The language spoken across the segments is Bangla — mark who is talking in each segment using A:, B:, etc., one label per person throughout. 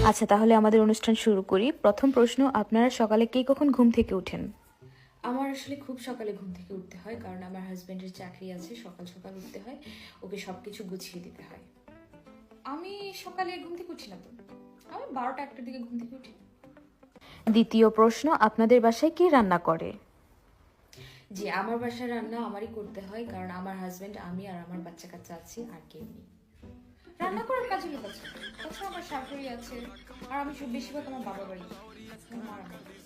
A: আচ্ছা, তাহলে আমাদের অনুষ্ঠান শুরু করি। প্রথম প্রশ্ন, আপনারা সকালে কে কখন ঘুম থেকে ওঠেন?
B: আমার আসলে খুব সকালে ঘুম থেকে উঠতে হয়, কারণ আমার হাজব্যান্ডের চাকরি আছে, সকাল সকাল উঠতে হয়, ওকে সবকিছু গুছিয়ে দিতে হয়। আমি সকালে ঘুম থেকে উঠি না তো, আমি 12টা 1টার দিকে ঘুম থেকে উঠি।
A: দ্বিতীয় প্রশ্ন, আপনাদের বাসায় কে রান্না করে?
B: জি, আমার বাসায় রান্না আমারই করতে হয়, কারণ আমার হাজব্যান্ড, আমি আর আমার বাচ্চা কাচ্চা আছি, আর কেউ নেই। রান্না করার কাজে লোক আছে, তাছাড়া আমার শাশুড়ি আছে, আর আমি বেশিরভাগ আমার বাবার বাড়ি, আমার মা রান্না করে।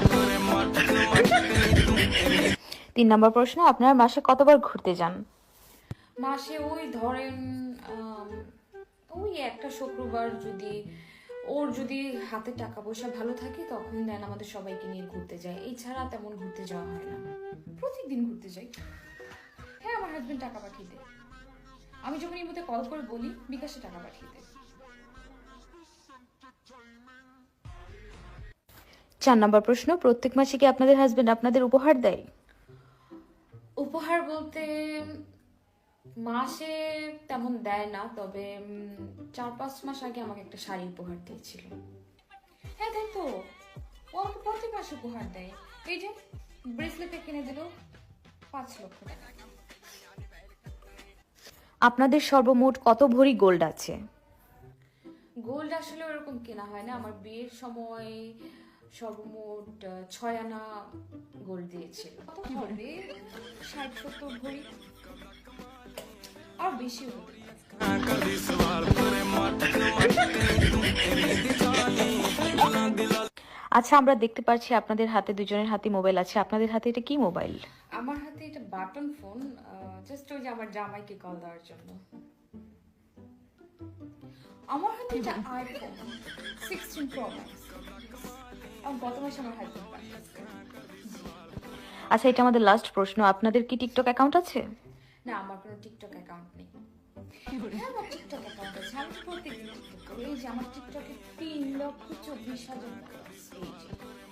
A: 3 নম্বর প্রশ্ন, আপনারা মাসে কতবার ঘুরতে যান?
B: মাসে ওই ধরেন আম, ওই একটা শুক্রবার, যদি হাতে টাকা পয়সা ভালো থাকে তখন দেন আমাদের সবাইকে নিয়ে ঘুরতে যায়, এছাড়া তেমন ঘুরতে যাওয়া হয় না। প্রত্যেকদিন ঘুরতে যাই। হ্যাঁ, আমার হাজবেন্ড টাকা পাঠিয়ে দেয়, আমি যখন এই মধ্যে কল করে বলি বিকাশে টাকা পাঠিয়ে দেয়।
A: 4 নম্বর প্রশ্ন, প্রত্যেক মাসে কি আপনাদের হাজবেন্ড আপনাদের উপহার দেয়?
B: উপহার বলতে মাসে তেমন দেয় না, তবে 4-5 মাস আগে আমাকে একটা শাড়ি উপহার দিয়েছিল। হ্যাঁ, তাই তো, ও আমাকে প্রতি মাসে উপহার দেয়। এই যে ব্রেসলেটে কিনে দিল 5 লক্ষ টাকা।
A: আপনাদের সর্বমোট কত ভরি গোল্ড আছে?
B: গোল্ড আসলে ওরকম কেনা হয় না, আমার বিয়ের সময় সর্বমোট 6 আনা গোল্ড দিয়েছিল। কত হবে, 60-70 ভরি, আর বেশি হতে পারে।
A: আচ্ছা, আমরা দেখতে পাচ্ছি আপনাদের হাতে, দুজনের হাতে মোবাইল আছে। আপনাদের হাতে এটা কি মোবাইল?
B: আমার হাতে এটা বাটন ফোন, জাস্ট ওই যে আমার জামাইকে কল দেওয়ার জন্য। আমার হাতে এটা আইফোন 16 প্রো ম্যাক্স, গত মাসে আমার হাজবেন্ড পাঠিয়েছে।
A: আচ্ছা, এটা আমাদের লাস্ট প্রশ্ন, আপনাদের কি টিকটক অ্যাকাউন্ট আছে?
B: না, আমার কোনো টিকটক অ্যাকাউন্ট নেই। হ্যাঁ, আমার টিকটক অ্যাকাউন্ট আছে, আমি প্রত্যেকদিন টিকটক করি। এই যে আমার টিকটকে 3,24,000 followers, এই যে।